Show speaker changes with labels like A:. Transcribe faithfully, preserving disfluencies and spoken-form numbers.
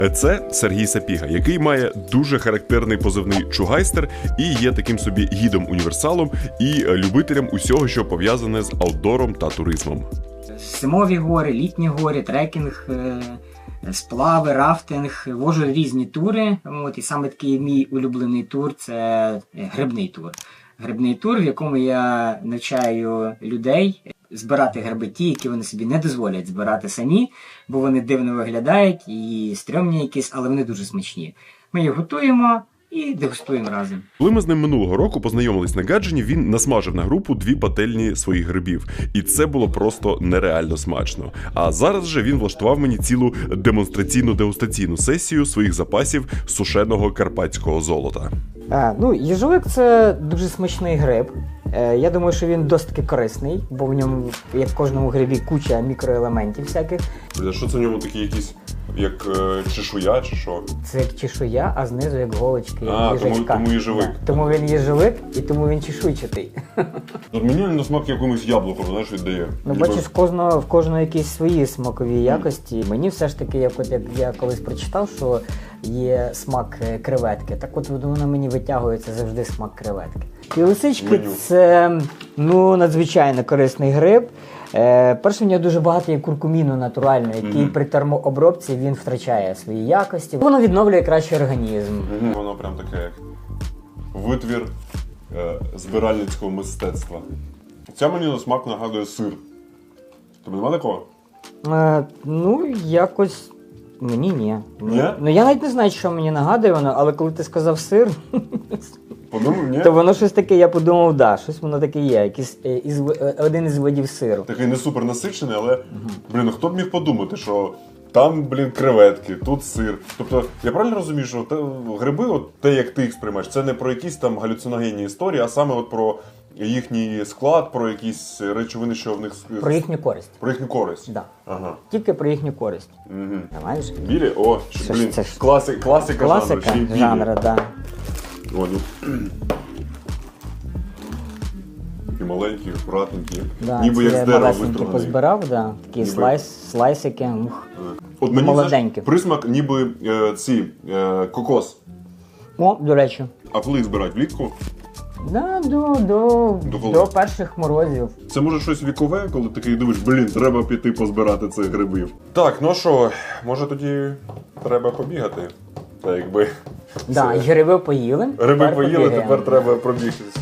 A: Це Сергій Сапіга, який має дуже характерний позивний Чугайстер і є таким собі гідом-універсалом і любителем усього, що пов'язане з аутдором та туризмом.
B: Зимові гори, літні гори, трекінг, сплави, рафтинг, вожу різні тури. От, і саме такий мій улюблений тур – це грибний тур. Грибний тур, в якому я навчаю людей збирати гриби ті, які вони собі не дозволять збирати самі, бо вони дивно виглядають і стрьомні якісь, але вони дуже смачні. Ми їх готуємо і дегустуємо разом.
A: Коли ми з ним минулого року познайомились на Гаджині, він насмажив на групу дві пательні своїх грибів. І це було просто нереально смачно. А зараз же він влаштував мені цілу демонстраційну дегустаційну сесію своїх запасів сушеного карпатського золота.
B: А, ну, їжовик – це дуже смачний гриб. Е, я думаю, що він досить таки корисний, бо в ньому, як в кожному грибі, куча мікроелементів всяких.
A: А що це в ньому такі якісь, як е, чешуя чи що?
B: Це як чешуя, а знизу як голочки, як
A: А,
B: їжачка.
A: тому, тому їжовик.
B: Да. Тому він їжовик і тому він чешуйчатий.
A: От мені на смак якомусь яблуком, знаєш, віддає.
B: Ну, бачиш, в кожного, в кожного якісь свої смакові якості. Мені все ж таки, як, от, як я колись прочитав, що є смак креветки. Так от воно мені витягується завжди смак креветки. І лисички – це ну, надзвичайно корисний гриб. Е, перше, в нього дуже багато є куркуміну натурального, який mm-hmm. при термообробці він втрачає свої якості. Воно відновлює краще організм.
A: Mm-hmm. Воно прям таке, як витвір е, збиральницького мистецтва. Ця мені на смак нагадує сир. Тобі нема такого?
B: Е, ну, якось мені ні.
A: Ні?
B: Ну, я навіть не знаю, що мені нагадує воно, але коли ти сказав сир,
A: подумав, ні?
B: то воно щось таке, я подумав, да, щось воно таке є, якийсь е, із, е, один із видів сиру.
A: Такий не супер насичений, але, блін, хто б міг подумати, що там, блін, креветки, тут сир. Тобто, я правильно розумію, що те, гриби, от те, як ти їх сприймаєш, це не про якісь там галюциногенні історії, а саме от про їхній склад, про якісь речовини, що в них...
B: Про їхню користь.
A: Про їхню користь?
B: Да.
A: Ага.
B: Тільки про їхню користь.
A: Угу.
B: Знаєш?
A: Білі? О, що, блін,
B: це ж...
A: класи, класика,
B: класика
A: жанру, ще й
B: жанру, да.
A: О, ну. Такі маленькі, акуратненькі,
B: Да,
A: ніби як з дерева виструнений.
B: позбирав, да. Такі
A: Ніби...
B: слайс, слайсики, ух.
A: От мені,
B: молоденькі.
A: Знаєш, присмак ніби е, ці, е, кокос.
B: О, до речі.
A: А коли їх збирають? Влітку?
B: Да, до, до,
A: до,
B: до перших морозів.
A: Це може щось вікове, коли такий дивиш, блін, треба піти позбирати цих грибів. Так, ну що, може тоді треба побігати? Та якби...
B: Да, і гриби поїли.
A: Гриби
B: тепер
A: поїли,
B: побігаємо.
A: тепер треба пробігтися.